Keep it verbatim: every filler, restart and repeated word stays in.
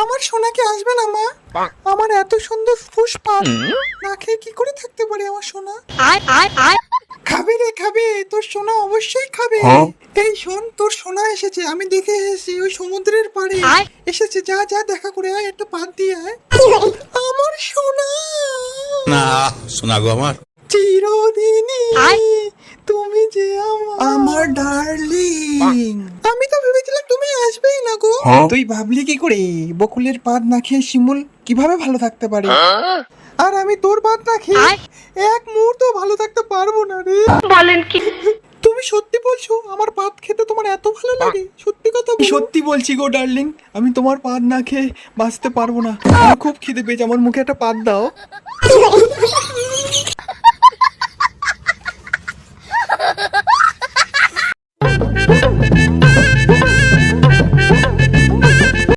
আমার সোনাকে আসবে না মা? আমার এত সুন্দর ফুসপাত না খেয়ে কি করে থাকতে পারে আমার সোনা? খাবে রে খাবে, তোর সোনা অবশ্যই খাবে। এই শোন, তোর সোনা এসেছে, আমি দেখে এসেছি ওই সমুদ্রের পাড়ে এসেছে। যা যা দেখা করে আয়, একটা পাত দিয়ে আয়। আমার সোনা না শোনা গো আমার চিরদিনই তুমি যে আমার আমার ডার্লিং। আমি তো ভেবেছিলাম তুমি আসবেই না গো। তুই ভাবলি কি করে বকুলের পাত না খেয়ে শিমুল কিভাবে ভালো থাকতে পারে? আর আমি তোর পাত না খেয়ে এক মুহূর্ত ভালো থাকতে পারবো না রে। বলেন কি? তুমি সত্যি বলছো আমার পাত খেতে তোমার এত ভালো লাগে? সত্যি কথা বলো। সত্যি বলছি গো ডার্লিং, আমি তোমার পাত না খেয়ে বাঁচতে পারবো না। আমার খুব খিদে পেয়েছে, আমার মুখে একটা পাত দাও।